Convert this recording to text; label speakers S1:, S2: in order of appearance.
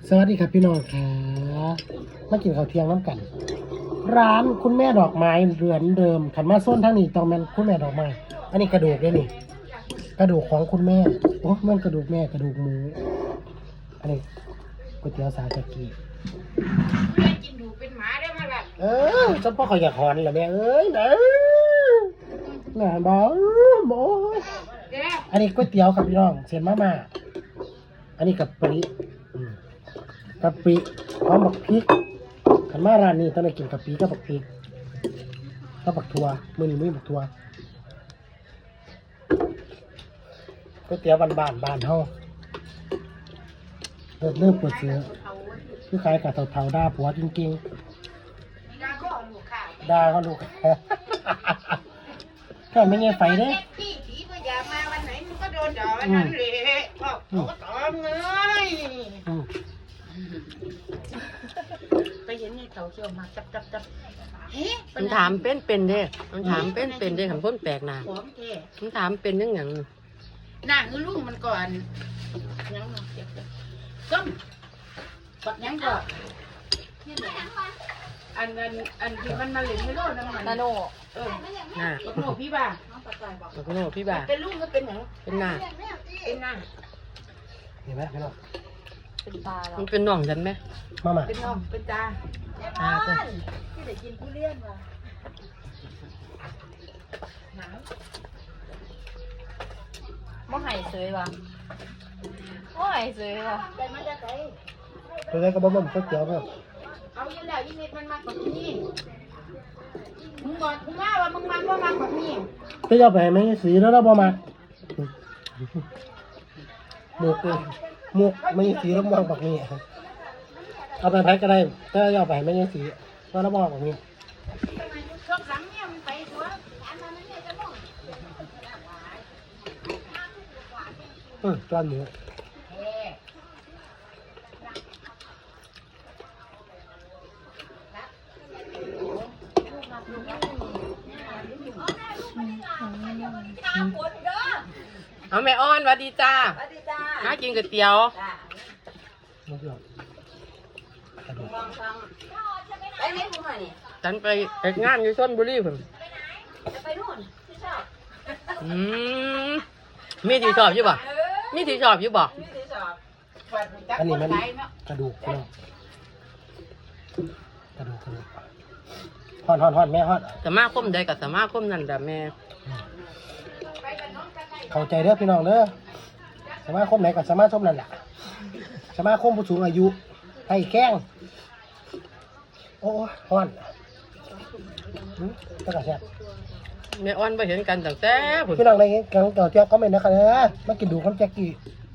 S1: สวัสดีครับพี่น้องค่ะมากินข้าวเที่ยงน้ำกัน ร้านคุณแม่ดอกไม้เรือนเดิมขันมาส้นทั้งนี้ต้องเป็นคุณแม่ดอกไม้อันนี้กระดูกด้วยนี่กระดูกของคุณแม่โอ้มันกระดูกแม่กระดูกหมูอันนี้ก๋วยเตี๋ยวสาตะกี้
S2: กินดูเป็นหมาได้มาแบบ
S1: ฉันพ่อเขาอยากหอนเหรอแม่เอ้ยนะน่ะบอกโอ้ยอันนี้ก๋วยเตี๋ยวกับพี่น้องเส้นมาม่าอันนี้กับปริกะปิพร้อมบักพริกขันมาร้านนี้ต้องได้กินกะปิกับบักพริกกับบักทัวมื้อนี้มีบักทัวก๋วยเตี๋ยวบ้านเฮาเริ่มเปิดเสือคือขายกับเฒ่าๆด่าผัวจริง
S2: ดาก็ลูกค่ะ
S1: ๆด่าเขาลูก แค่ไม่เงี้ยไฟเด้
S2: พี่ผีก็อย่ามาวันไหนมันก็โดนด่าวันนั้นเลยพ่อเขาก็ตอมเลยไปเห็นไอ้เขาเขี่ยวมาจับเฮ้
S3: มันถามเป็นเด้มันถามเป็นเด้คำพ้นแปลกหนา
S2: หอมแท้
S3: มันถามเป็นยังหยัง
S2: หน้าคือลูกมันก่อนยังเจ็บต้มปักยังก่อนอันที่มันมาเล่นไม่รู้น้ำมันนาโน
S3: น่ะ
S2: ปักโนพี่บ้า
S3: แล้วก็โน่พี่บ่า
S2: เป็นลูกก็เป็นหยัง
S3: เป็นหน้า
S2: เป็นหน้า
S1: เห็นไหมพี่น้อง
S3: มันเป็นน่องฉันไหม
S1: มาม่า
S2: เป็นน้องเป็นตา
S3: จ้ะ
S2: ที่ได้กินทุเรียนว่ะหนาว
S4: บ่ให้ซื้อว่ะบ่ให้ซื้อว่ะ
S2: ไปมาจากไหน
S1: ตัวนี้ก็บ่มันก๋วยเตี๋ยวแบบ
S2: เอาอยู่แล้วยี่นิดมันมากกว่านี้มึงบอกมึงว่ามึงมันว่ามากกว่านี้
S1: จะเอาไปให้แม่สีแล้วเราบ่มาหมกไม่สีแล้วมองแบบนี้เอาไปแพ็กก็ได้ถ้าเอาไปไม่ใช่สีก็แล้วมองแบบนี้
S2: ชกหลังเนี่ยมันไปหัว
S1: จานหมู
S3: เอาแม่อ้อนหวัดดีจ้ามากินก๋วยเตี๋ยว
S1: ไม่เกี่ยว
S4: ไปไหนกูมานี่
S3: ฉันไปเอกงานอยู่ชลบุรีผม
S4: จะไปนู่นที่ชอบ
S3: อืมมีที่ชอบอยู่บ่มีที่ชอบอยู่บ่
S4: ที่ที่ชอบ
S1: อันนี้มันกระดูกพี่น้องกระดูกห่อนแม่ห่อน
S3: สมาคมใดกับสมาคมนั่นแต่แม่
S1: เข้าใจเด้อพี่น้องเด้อสมาคมไหนกับสมาคมนั่นแหละสมาคมผู้สูงอายุให้แข้งโอ้ห่อนก็กระแซบ
S3: แม่อ้อนไปเห็นกันตั้งแต่ผม
S1: พี่น้องในกังเก่าเจ้าก็ไม่นะครับมากินดูข้าวแจ็กกี้